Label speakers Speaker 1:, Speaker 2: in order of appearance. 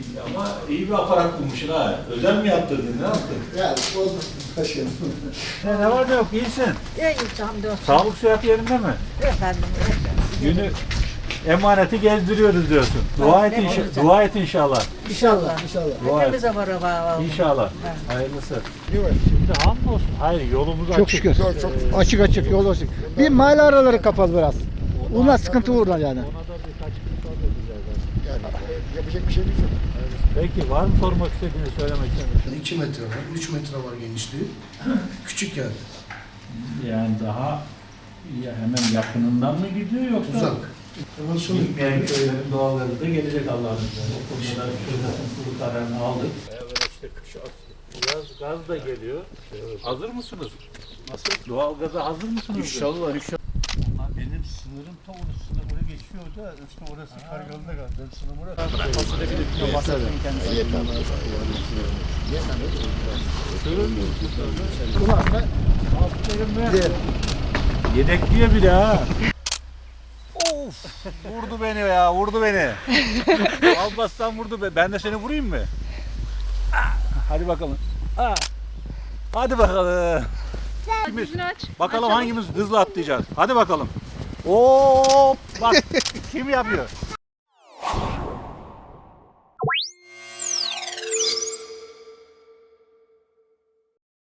Speaker 1: Ama iyi bir aparat bulmuşsun ha. Özel mi yaptırdın? Ne yaptın?
Speaker 2: Yani bozmasın başkanım.
Speaker 1: Ne var ne yok? İyisin.
Speaker 3: İyi hamdolsun.
Speaker 1: Sağlık sıhhat yerinde mi?
Speaker 3: Efendim.
Speaker 1: Günü emaneti gezdiriyoruz diyorsun. Dua et, dua et inşallah.
Speaker 3: İnşallah.
Speaker 2: İnşallah.
Speaker 1: Dua et.
Speaker 3: Hepimize var o.
Speaker 1: İnşallah. Hayırlısı. Şimdi hamdolsun. Hayır yolumuz açık.
Speaker 2: Çok şükür. Açık yol açık. Bir mahalle araları kapalı biraz. Ona sıkıntı uğradı yani.
Speaker 1: Ona da birkaç gün sonra edeceğiz.
Speaker 2: Yani yapacak bir şey yok.
Speaker 1: Peki var mı sormak istediğini söylemek istediğiniz?
Speaker 4: 2 metre var, 3 metre var genişliği. Küçük yani.
Speaker 1: Yani daha hemen yakınından mı gidiyor yoksa?
Speaker 4: Uzak. Hemen şunu
Speaker 1: Gitmeyen köylerin doğalları da gelecek Allah'ın izniyle. O konuda şurasının kuru kararını aldık. Evet işte kış gaz da geliyor. Hazır mısınız? Nasıl? Doğal gaza hazır mısınız?
Speaker 4: İnşallah inşallah.
Speaker 1: Benim sınırım ta orasında buraya geçiyor da işte orası karayolunda kaldı. Benim sınırım orası. Yedekliyor bir de ha. Of! Vurdu beni ya, vurdu beni. Almazsan vurdu be. Ben de seni vurayım mı? Hadi bakalım. Hadi bakalım. Bakalım hangimiz hızlı atlayacağız. Hadi bakalım. Hop! Bak kim yapıyor?